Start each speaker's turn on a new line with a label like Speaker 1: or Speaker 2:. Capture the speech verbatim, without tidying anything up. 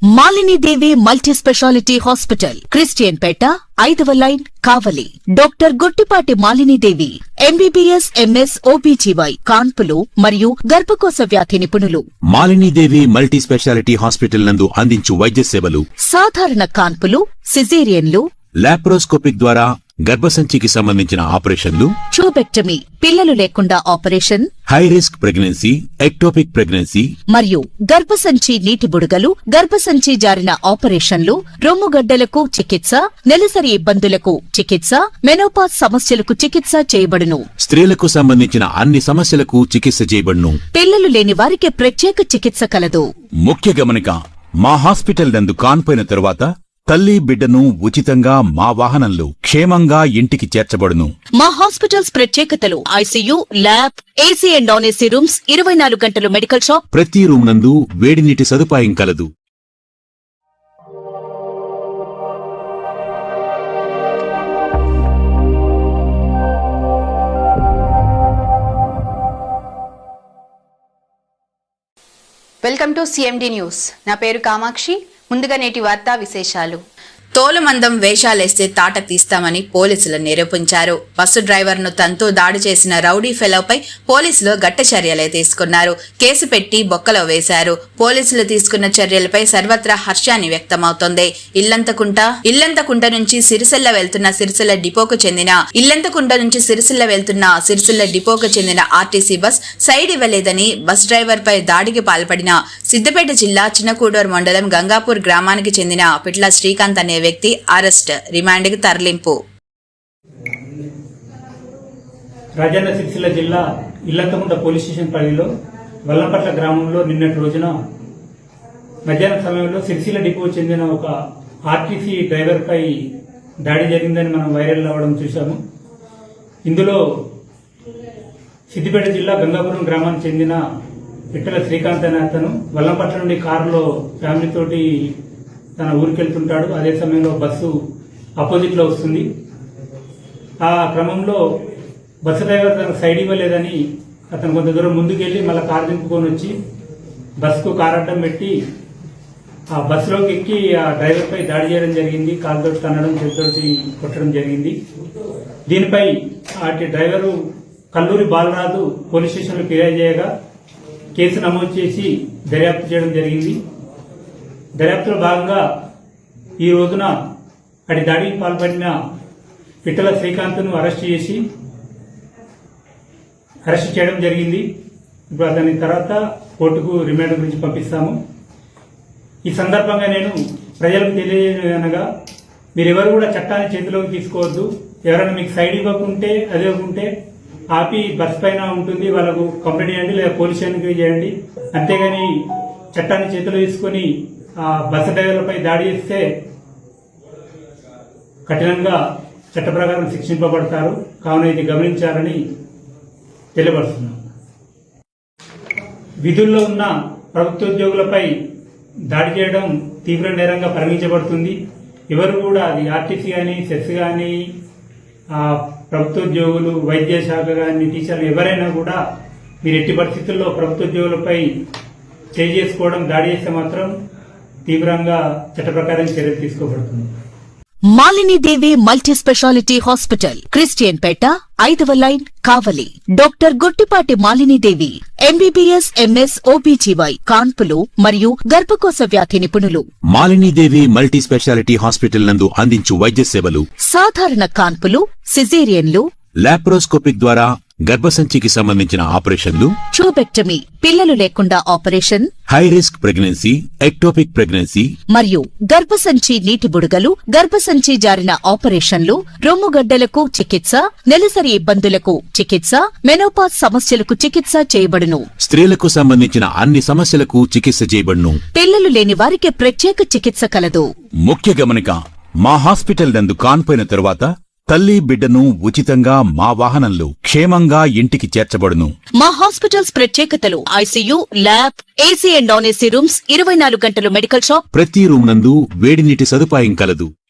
Speaker 1: Malini Devi multi speciality hospital, Christian పేట, ఐదవ line, Kavali. Doctor Guttipati Malini Devi MBBS, MS, OBGY, కాన్పులు మరియు గర్భకోశ వ్యాధి నిపుణులు.
Speaker 2: Malini Devi multi speciality hospital నందు అందించు వైద్య సేవలు:
Speaker 1: సాధారణ కాన్పులు, సిజేరియన్లు,
Speaker 2: లాప్రోస్కోపిక్ ద్వారా గర్భసంచికి సంబంధించిన ఆపరేషన్లు,
Speaker 1: ట్యూబెక్టమీ, పిల్లలు లేకుండా operation,
Speaker 2: high risk pregnancy, ectopic pregnancy
Speaker 1: మరియు గర్భసంచి నీటి బుడగలు, గర్భసంచి జారిన ఆపరేషన్లు, రొమ్ముగడ్డలకు చికిత్స, నెలసరి ఇబ్బందులకు చికిత్స, మెనోపాజ్ సమస్యలకు చికిత్స చేయబడును.
Speaker 2: స్త్రీలకు సంబంధించిన అన్ని సమస్యలకు చికిత్స చేయబడును.
Speaker 1: పిల్లలు లేని వారికి ప్రత్యేక చికిత్స కలదు.
Speaker 2: ముఖ్య గమనిక: మా హాస్పిటల్ నందు కాన్పోయిన తరువాత తల్లి బిడ్డను ఉచితంగా మా వాహనంలో క్షేమంగా ఇంటికి చేర్చబడును.
Speaker 1: మా హాస్పిటల్స్ ప్రత్యేకతలు: ICU, lab, AC and non AC rooms, ఇరవై నాలుగు గంటలు మెడికల్ షాప్,
Speaker 2: ప్రతి రూమ్ నందు వేడి నీటి సదుపాయం కలదు.
Speaker 3: Welcome to CMD news. నా పేరు కామాక్షి. ముందుగా నేటి వార్తా విశేషాలు.
Speaker 4: తోలుమందం వేషాలేస్తే తాట తీస్తామని పోలీసులు నిరూపించారు. బస్సు డ్రైవర్ను తంతూ దాడి చేసిన రౌడీ ఫెలోపై పోలీసులు గట్టి చర్యలే తీసుకున్నారు. కేసు పెట్టి బొక్కలో వేశారు. పోలీసులు తీసుకున్న చర్యలపై సర్వత్రా హర్షాన్ని వ్యక్తమవుతోంది. ఇల్లంతకుంట ఇల్లంతకుంట నుంచి సిరిసిల్ల వెళ్తున్న సిరిసిల్ల డిపోకు చెందిన ఇల్లంతకుంట నుంచి సిరిసిల్ల వెళ్తున్న సిరిసిల్ల డిపోకు చెందిన ఆర్టీసీ బస్ సైడ్ ఇవ్వలేదని బస్ డ్రైవర్ పై దాడికి పాల్పడిన సిద్దిపేట జిల్లా చిన్నకూడూరు మండలం గంగాపూర్ గ్రామానికి చెందిన పిట్ల శ్రీకాంత్ అనే వ్యక్తి అరెస్ట్, రిమాండ్ కి తరలింపు.
Speaker 5: రాజన్న సిరిసిల్ల జిల్లా ఇల్లంతకుంట పోలీస్ స్టేషన్ పరిధిలో వల్లంపట్ల గ్రామంలో నిన్నటి రోజున మధ్యాహ్నం సమయంలో సిరిసిల్ల డిపో చెందిన ఒక ఆర్టీసీ డ్రైవర్ పై దాడి జరిగిందని మనం వైరల్ అవ్వడం చూశాము. ఇందులో సిద్దిపేట జిల్లా గంగాపురం గ్రామానికి చెందిన పిట్టల శ్రీకాంత్ అనే అతను వల్లంపట్ల నుండి కారులో ఫ్యామిలీతోటి తన ఊరికి వెళ్తుంటాడు. అదే సమయంలో బస్సు అపోజిట్ లో వస్తుంది. ఆ క్రమంలో బస్సు డ్రైవర్ తనకు సైడ్ ఇవ్వలేదని అతను కొంత దూరం ముందుకెళ్లి మళ్ళీ కారు దింపుకొని వచ్చి బస్సుకు కారు అడ్డం పెట్టి ఆ బస్సులోకి ఎక్కి ఆ డ్రైవర్ పై దాడి చేయడం జరిగింది. కాలుతోటి తన్నడం, చేతితోటి కొట్టడం జరిగింది. దీనిపై అటు డ్రైవరు కల్లూరి బాలరాజు పోలీస్ స్టేషన్లో ఫిర్యాదు చేయగా కేసు నమోదు చేసి దర్యాప్తు చేయడం జరిగింది. దర్యాప్తులో భాగంగా ఈ రోజున అటు దాడికి పాల్పడిన పిట్టల శ్రీకాంత్ను అరెస్ట్ చేసి అరెస్ట్ చేయడం జరిగింది. ఇప్పుడు అతని తర్వాత కోర్టుకు రిమాండ్ గురించి పంపిస్తాము. ఈ సందర్భంగా నేను ప్రజలకు తెలియజేయనగా మీరెవరు కూడా చట్టాన్ని చేతిలోకి తీసుకోవద్దు. ఎవరైనా మీకు సైడ్ ఇవ్వకుంటే అదే ఉంటే ఆపి బస్ పైన ఉంటుంది, వాళ్ళకు కంప్లైంట్ చేయండి లేదా పోలీస్ స్టేషన్కి చేయండి. అంతేగాని చట్టాన్ని చేతిలో తీసుకొని ఆ బస్సు డ్రైవర్లపై దాడి చేస్తే కఠినంగా చట్ట ప్రకారం శిక్షింపబడతారు. కావున ఇది గమనించాలని తెలియపరుస్తున్నాం. విధుల్లో ఉన్న ప్రభుత్వోద్యోగులపై దాడి చేయడం తీవ్ర నేరంగా పరిగణించబడుతుంది. ఎవరు కూడా అది ఆర్టీసీ కానీ, సెస్ కానీ, ప్రభుత్వోద్యోగులు, వైద్య శాఖ కానీ, టీచర్లు ఎవరైనా కూడా మీరు ఎట్టి పరిస్థితుల్లో ప్రభుత్వోద్యోగులపై చేయి చేసుకోవడం, దాడి చేస్తే మాత్రం తీవ్రంగా చట్ట ప్రకారం చర్యలు తీసుకోబడుతుంది.
Speaker 1: Malini Devi multi speciality hospital, Christian పేట, ఐదవ line, Kavali. Doctor Guttipati Malini Devi MBBS, MS, OBGY, కాన్పులు మరియు గర్భకోశ వ్యాధి నిపుణులు.
Speaker 2: Malini Devi multi speciality hospital నందు అందించు వైద్య సేవలు:
Speaker 1: సాధారణ కాన్పులు, సిజేరియన్లు,
Speaker 2: లాప్రోస్కోపిక్ ద్వారా గర్భసంచికి సంబంధించిన ఆపరేషన్లు,
Speaker 1: ట్యూబెక్టమీ, పిల్లలు లేకుండా operation,
Speaker 2: high risk pregnancy, ectopic pregnancy
Speaker 1: మరియు గర్భసంచి నీటి బుడగలు, గర్భసంచి జారిన ఆపరేషన్లు, రొమ్ముగడ్డలకు చికిత్స, నెలసరి ఇబ్బందులకు చికిత్స, మెనోపాజ్ సమస్యలకు చికిత్స చేయబడును.
Speaker 2: స్త్రీలకు సంబంధించిన అన్ని సమస్యలకు చికిత్స చేయబడును.
Speaker 1: పిల్లలు లేని వారికి ప్రత్యేక చికిత్స కలదు.
Speaker 2: ముఖ్య గమనిక: మా హాస్పిటల్ నందు కాన్పోయిన తరువాత తల్లి బిడ్డను ఉచితంగా మా వాహనంలో క్షేమంగా ఇంటికి చేర్చబడును.
Speaker 1: మా హాస్పిటల్స్ ప్రత్యేకతలు: ICU, lab, AC and non AC rooms, ఇరవై నాలుగు గంటలు మెడికల్ షాప్,
Speaker 2: ప్రతి రూమ్ నందు వేడి నీటి సదుపాయం కలదు.